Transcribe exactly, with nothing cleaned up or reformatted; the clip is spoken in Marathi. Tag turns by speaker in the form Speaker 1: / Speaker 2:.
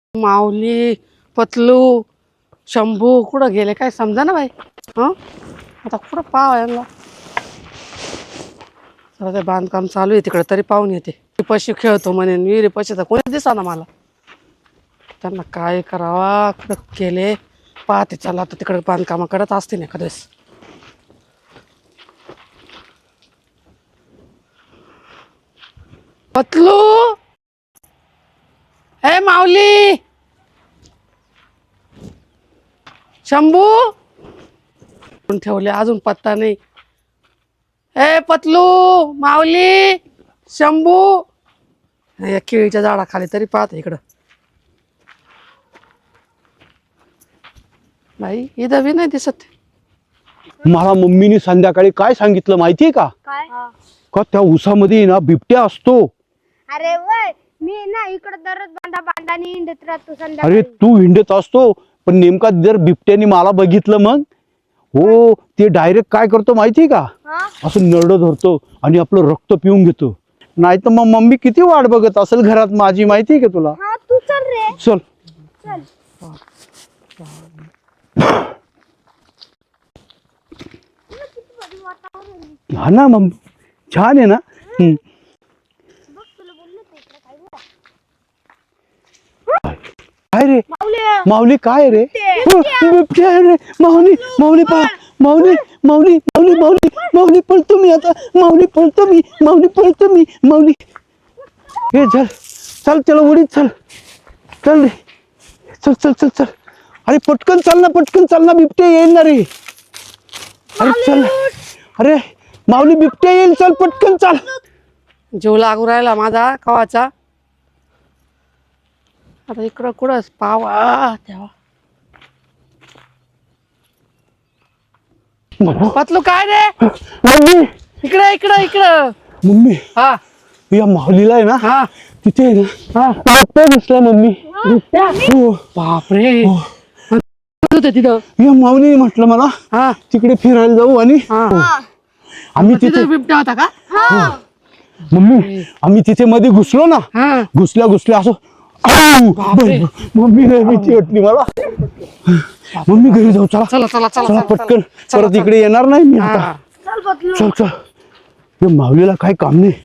Speaker 1: माऊली, पतलू, शंभू कुठं गेले काय समजा ना बाई. हं आता कुठं पाव यांना. सगळं ते बांधकाम चालू आहे तिकडे, तरी पाहून येते. पशी खेळतो म्हणे, विहिरी पशी तर कोणी दिसा ना मला. त्यांना काय करावा, कुठं केले पाहते. चला आता तिकडे बांधकाम करत असते ना एखाद्यास. पतलू, हे माऊली, शंभू ठेवले अजून पत्ता नाही. ए पतलू, माऊली, शंभू, या केळीच्या झाडाखाली तरी पाहत इकडं. बाई इथं बी नाही दिसत.
Speaker 2: मला मम्मीने संध्याकाळी काय सांगितलं माहितीये का?
Speaker 3: काय?
Speaker 2: का त्या उसामध्ये ना बिबट्या असतो.
Speaker 3: अरे वय मी ना इकडे दररोज बांधा बांधानी हिंडत राहतो
Speaker 2: अरे
Speaker 3: संध्याकाळी.
Speaker 2: तू हिंडत असतो, पण नेमका जर बिबट्याने मला बघितलं मग हो ते डायरेक्ट काय करतो माहितीये का?
Speaker 3: हा?
Speaker 2: असं नरड धरतो आणि आपलं रक्त पिऊन घेतो. नाही तर मग मम्मी किती वाट बघत असेल घरात माझी, माहितीये का तुला?
Speaker 3: हा तू चल रे
Speaker 2: चल
Speaker 3: चल.
Speaker 2: हा ना मम्मी, छान आहे ना. हम्म.
Speaker 3: बघ तुला बोललो ते इकडे काय झालं?
Speaker 2: काय रे
Speaker 3: माऊली,
Speaker 2: माऊली, काय रे?
Speaker 3: बिबट्या.
Speaker 2: बिबट्या आहे रे. माऊली, माऊली पा माऊली, माऊली, माऊली, माऊली, माऊली पळतो मी आता. माऊली पळतो मी, माऊली पळतो मी, माऊली. हे चल चल चल उडीत चल चल रे. चल चल चल चल. अरे पटकन चाल ना, पटकन चाल ना, बिबट्या येईल ना रे. अरे चल. अरे माऊली, बिबट्या येईल, चल पटकन चाल.
Speaker 1: जीव लागू राहिला माझा कवाचा. आता इकडं कुठं पावा तेव्हा. पतलू काय रे,
Speaker 2: मम्मी,
Speaker 1: इकडं इकडं इकडं.
Speaker 2: मम्मी,
Speaker 1: हा
Speaker 2: या माऊलीला आहे ना
Speaker 1: हा
Speaker 2: तिथे आहे ना
Speaker 1: हा.
Speaker 2: बिबट्या दिसला मम्मी. हो.
Speaker 1: बापरे, होते तिथं.
Speaker 2: या माऊली म्हटलं मला
Speaker 1: हा
Speaker 2: तिकडे फिरायला जाऊ आणि
Speaker 1: हा.
Speaker 2: आम्ही
Speaker 1: तिथे
Speaker 2: तिथे
Speaker 1: बिबट्या होता का?
Speaker 2: मम्मी आम्ही तिथे मध्ये घुसलो ना,
Speaker 1: हा
Speaker 2: घुसल्या घुसल्या असं आऊ!
Speaker 1: बापरे.
Speaker 2: मम्मी लय भीती वाटली मला. मम्मी घरी जाऊ, चला
Speaker 1: चला चला चला
Speaker 2: चला
Speaker 1: चला,
Speaker 2: पटकन.
Speaker 1: चला,
Speaker 2: परत इकडे येणार नाही मी
Speaker 1: हा,
Speaker 2: आता.
Speaker 1: हा.
Speaker 3: चल बदलू.
Speaker 2: चल चल. या माऊलीला काय काम नाही.